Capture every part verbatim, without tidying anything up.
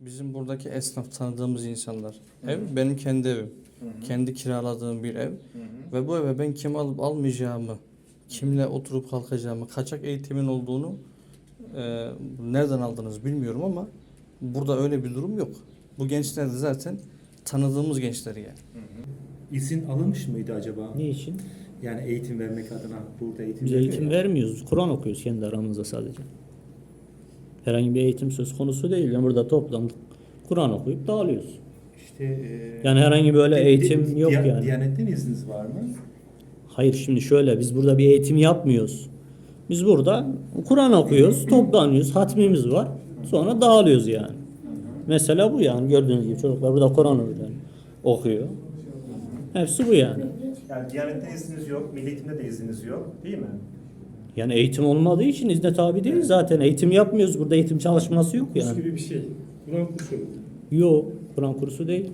Bizim buradaki esnaf tanıdığımız insanlar. Ev benim kendi evim. Hı hı. Kendi kiraladığım bir ev. Hı hı. Ve bu eve ben kim alıp almayacağımı, kimle oturup kalkacağımı, kaçak eğitimin olduğunu e, nereden aldınız bilmiyorum ama burada öyle bir durum yok. Bu gençler de zaten tanıdığımız gençler yani. Hı hı. İzin alınmış mıydı acaba? Ne için? Yani eğitim vermek adına burada eğitim Biz vermiyor eğitim ya. vermiyoruz. Kur'an okuyoruz kendi aramızda sadece. Herhangi bir eğitim söz konusu değil. Yani burada toplandık. Kur'an okuyup dağılıyoruz. İşte, e, Yani herhangi böyle di- eğitim di- yok Diya- yani. Diyanetten izniniz var mı? Hayır, şimdi şöyle, biz burada bir eğitim yapmıyoruz. Biz burada Kur'an okuyoruz, toplanıyoruz, hatmimiz var. Sonra dağılıyoruz yani. Mesela bu yani, gördüğünüz gibi çocuklar burada Kur'an okuyor. Hepsi bu yani. Yani Diyanetten izniniz yok, Milli Eğitim'de de izniniz yok, değil mi? Yani eğitim olmadığı için izne tabi değil zaten. Eğitim yapmıyoruz. Burada eğitim çalışması yok Kurs yani. gibi bir şey. Kur'an kursu. Yok, Kur'an kursu değil.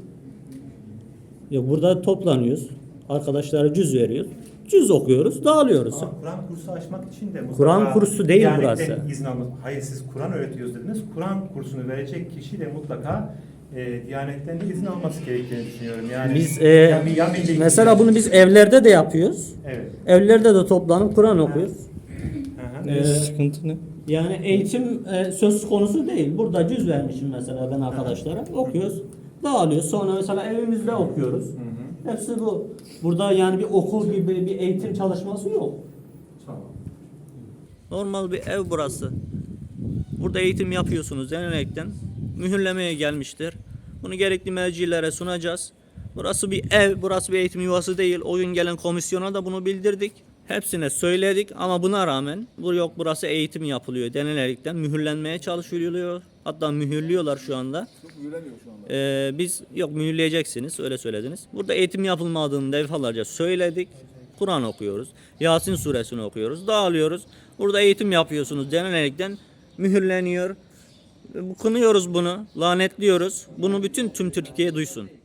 Yok, burada toplanıyoruz. Arkadaşlara cüz veriyoruz. Cüz okuyoruz, dağılıyoruz. Ama Kur'an kursu açmak için de mutlaka Kur'an kursu değil Diyanetten burası. izin almak. Hayır, siz Kur'an öğretiyoruz dediniz. Kur'an kursunu verecek kişi de mutlaka e, Diyanetten de izin alması gerektiğini düşünüyorum. Yani Biz e, ya bir- ya Milli Eğitim- mesela bunu biz evlerde de yapıyoruz. Evet. Evlerde de toplanıp Kur'an okuyoruz. Hı hı. Ne Ee, sıkıntı ne? Yani eğitim e, söz konusu değil. Burada cüz vermişim mesela ben arkadaşlara. Okuyoruz, dağılıyoruz. Sonra mesela evimizde okuyoruz. Hı hı. Hepsi bu. Burada yani bir okul gibi bir eğitim çalışması yok. Tamam. Normal bir ev burası. Burada eğitim yapıyorsunuz denerekten. Mühürlemeye gelmiştir. Bunu gerekli mercilere sunacağız. Burası bir ev, burası bir eğitim yuvası değil. O gün gelen komisyona da bunu bildirdik. Hepsine söyledik ama buna rağmen bu yok, burası eğitim yapılıyor denilerekten mühürlenmeye çalışılıyor. Hatta mühürlüyorlar şu anda. Yok, mühürlemiyor şu anda. Ee, biz yok mühürleyeceksiniz, öyle söylediniz. Burada eğitim yapılmadığını defalarca söyledik. Kur'an okuyoruz. Yasin suresini okuyoruz. Dağılıyoruz. Burada eğitim yapıyorsunuz denilerekten mühürleniyor. Kınıyoruz bunu. Lanetliyoruz. Bunu bütün tüm Türkiye duysun.